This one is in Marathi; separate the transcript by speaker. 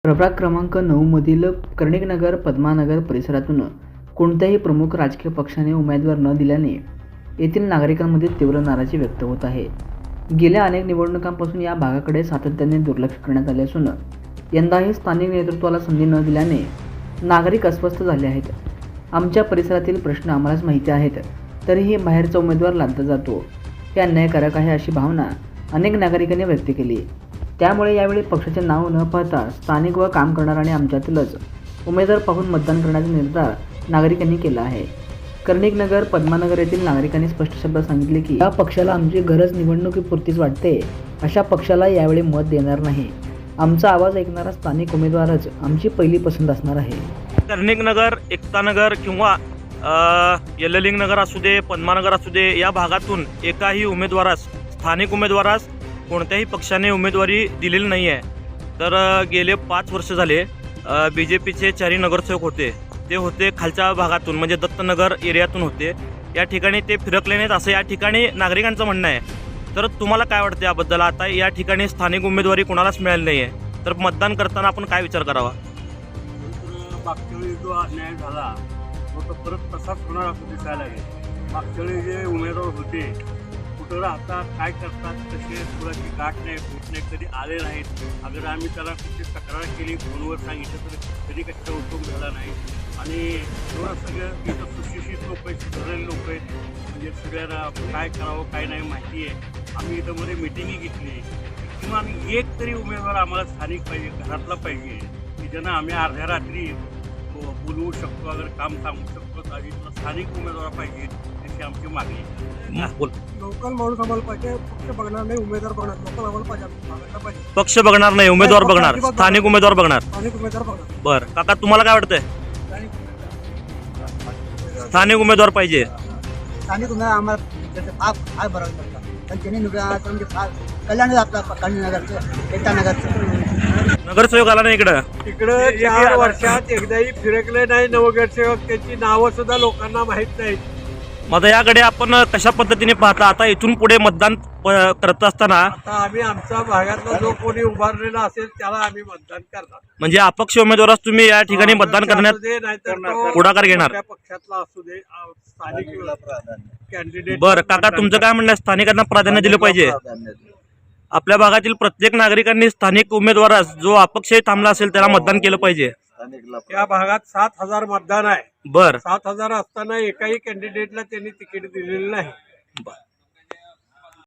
Speaker 1: प्रभाग क्रमांक 9 मधील कर्णिकनगर पद्मानगर परिसरातून कोणत्याही प्रमुख राजकीय पक्षाने उमेदवार न दिल्याने येथील नागरिकांमध्ये तीव्र नाराजी व्यक्त होत आहे। गेल्या अनेक निवडणुकांपासून या भागाकडे सातत्याने दुर्लक्ष करण्यात आले असून यंदाही स्थानिक नेतृत्वाला संधी न दिल्याने नागरिक अस्वस्थ झाले आहेत। आमच्या परिसरातील प्रश्न आम्हालाच माहिती आहेत, तरीही बाहेरचा उमेदवार लादला जातो, हे अन्यायकारक आहे अशी भावना अनेक नागरिकांनी व्यक्त केली। त्यामुळे यावेळी पक्षाचे नाव न पाहता स्थानिक व काम करणाऱ्यांनी आमच्यातीलच उमेदवार पाहून मतदान करण्याचा निर्धार नागरिकांनी केला आहे। कर्णिकनगर पद्मानगर येथील नागरिकांनी स्पष्ट शब्दात सांगितले की या पक्षाला आमची गरज निवडणुकीपुरतीच वाटते, अशा पक्षाला यावेळी मत देणार नाही। आमचा आवाज ऐकणारा स्थानिक उमेदवारच आमची पहिली पसंत असणार आहे।
Speaker 2: कर्णिकनगर, एकतानगर किंवा यल्ललिंगनगर असू दे, पद्मानगर असू दे, या भागातून एकाही उमेदवारास, स्थानिक उमेदवारास कोणत्याही पक्षाने उमेदवारी दिलेली नाही आहे। तर गेले 5 वर्ष झाले BJPचे 4 नगरसेवक होते, ते होते खालच्या भागातून म्हणजे दत्तनगर एरियातून होते। या ठिकाणी ते फिरकले नाहीत असं या ठिकाणी नागरिकांचं म्हणणं आहे। तर तुम्हाला काय वाटते याबद्दल? आता या ठिकाणी स्थानिक उमेदवारी कोणालाच मिळाली नाही आहे, तर मतदान करताना आपण काय विचार करावा?
Speaker 3: मागच्या वेळी जो अन्याय झाला तो परत तसाच होणार असं दिसायला लागेल। मागच्या वेळी जे उमेदवार होते कुठं राहतात, काय करतात, कसे पुराची गाठ नाही, फूट नाही, कधी आले नाहीत। अगर आम्ही त्याला कुठे तक्रार केली, फोनवर सांगितलं तर कधी कशाचा उपयोग झाला नाही। आणि एवढं सगळं इथं सुशिक्षित लोक आहेत, सुधारलेले लोक आहेत, म्हणजे सगळ्यांना काय करावं काय नाही माहिती आहे। आम्ही इथं मध्ये मिटिंगही घेतली किंवा आम्ही एक तरी उमेदवार आम्हाला स्थानिक पाहिजे, घरातला पाहिजे, की ज्यांना आम्ही अर्ध्या रात्री बोलवू शकतो, अगर काम सांगू शकतो, आधी स्थानिक उमेदवार पाहिजे अशी आमची मागणी आहे।
Speaker 4: लोकल माणूस आम्हाला पाहिजे, पक्ष बघणार नाही, उमेदवार बघणार। लोकल आम्हाला पाहिजे,
Speaker 2: पक्ष बघणार नाही, उमेदवार बघणार, स्थानिक उमेदवार बघणार।
Speaker 4: स्थानिक उमेदवार बघणार।
Speaker 2: बरं काका, तुम्हाला काय वाटतंय? स्थानिक उमेदवार पाहिजे।
Speaker 4: स्थानिक उमेदवार आम्हाला काय बरं करतात, पण त्यांनी म्हणजे कल्याण आपला कर्णिकनगरचं, एकतानगरचं
Speaker 2: नगरसेवक आला नाही इकडं?
Speaker 3: इकडं 4 वर्षात एकदाही फिरकले नाही नवनगरसेवक, त्यांची नावं सुद्धा लोकांना माहीत नाहीत।
Speaker 2: मग आता याकडे आपण कशा पद्धतीने पाहता? आता इथून पुढे मतदान करत असताना
Speaker 3: आता आम्ही आमच्या भागातला जो कोणी उभारलेला असेल त्याला आम्ही मतदान करणार।
Speaker 2: म्हणजे अपक्ष उमेदवारास तुम्ही या ठिकाणी मतदान करण्यात पुढाकार घेणार?
Speaker 3: पक्षातला असू दे, स्थानिक कॅन्डिडेट।
Speaker 2: बरं काका, तुमचं काय म्हणणं आहे? स्थानिकांना प्राधान्य दिलं पाहिजे? आपल्या भागातील प्रत्येक नागरिकांनी स्थानिक उमेदवारास जो अपक्षही थांबला असेल त्याला मतदान केलं पाहिजे।
Speaker 3: या भागात 7,000 मतदान आहे।
Speaker 2: बर
Speaker 3: 7,000 असताना एकाही कॅन्डिडेटला त्यांनी तिकीट दिलेलं नाही।